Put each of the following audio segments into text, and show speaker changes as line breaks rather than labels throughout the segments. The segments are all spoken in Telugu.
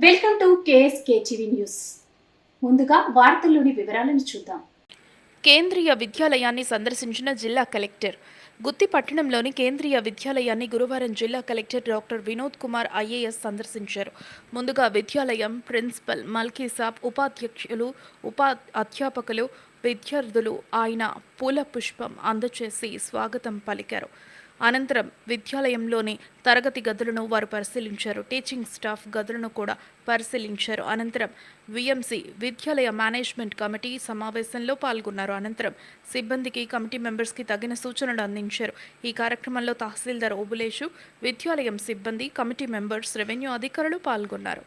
Welcome to KSK TV news. ముందుగా వార్తల్లోని వివరాలను చూద్దాం.
కేంద్రీయ విద్యాలయాన్ని సందర్శించిన జిల్లా కలెక్టర్. గుత్తి పట్టణంలోని కేంద్రీయ విద్యాలయాన్ని గురువారం జిల్లా collector doctor Vinod Kumar IAS సందర్శించారు. ముందుగా విద్యాలయం ప్రిన్సిపల్ మల్కీసాబ్, ఉపాధ్యక్షులు, అధ్యాపకులు, విద్యార్థులు ఆయన పూల పుష్పం అందజేసి స్వాగతం పలికారు. అనంతరం విద్యాలయంలోని తరగతి గదులను వారు పరిశీలించారు. టీచింగ్ స్టాఫ్ గదులను కూడా పరిశీలించారు. అనంతరం విఎంసి విద్యాలయ మేనేజ్మెంట్ కమిటీ సమావేశంలో పాల్గొన్నారు. అనంతరం సిబ్బందికి, కమిటీ మెంబర్స్కి తగిన సూచనలు అందించారు. ఈ కార్యక్రమంలో తహసీల్దార్ ఓబులేషు, విద్యాలయం సిబ్బంది, కమిటీ మెంబర్స్, రెవెన్యూ అధికారులు పాల్గొన్నారు.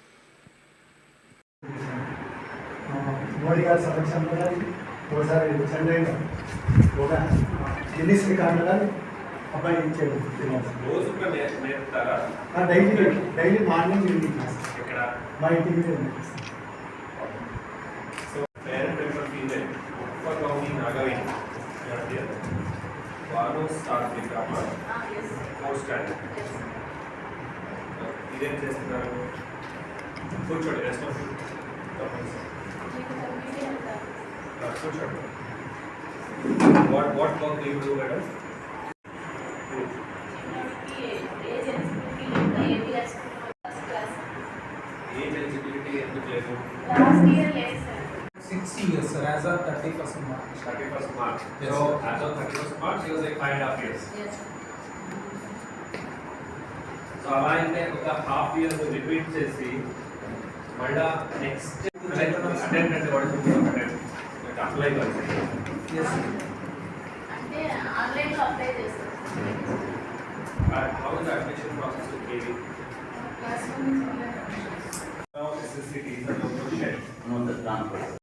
అబ్బాయి ఇచ్చాడు
రోజు నేర్పుతారా?
డైలీ మార్నింగ్ ఈవినింగ్ క్లాస్
ఇక్కడ
మా ఇంటికి
so parent member female Uppagouni Nagaveni వారు స్టార్ట్ విక్రమ ఫోర్త్ స్టాండర్డ్. ఇదేం చేస్తున్నారు? కూర్చోండి, రెస్ట్ ఆఫ్ కూర్చోండి. What work do you do madam? Age eligibility ఎందుకు లేదు?
Last year, yes, sir.
6 years, sir, as of 31st March.
31st March.
Yes,
So
sir.
as of 31st March, he was like 5.5 years.
Yes.
So అలా అయితే ఒక హాఫ్ ఇయర్ రిపీట్ చేసి మళ్ళా నెక్స్ట్ అటెండ్ అంటే అప్లై
Yes, sir.
అంటే ఆన్లైన్లో అప్లై చేస్తారు.
How is admission process to KV?
Class room
SSC teacher local shed.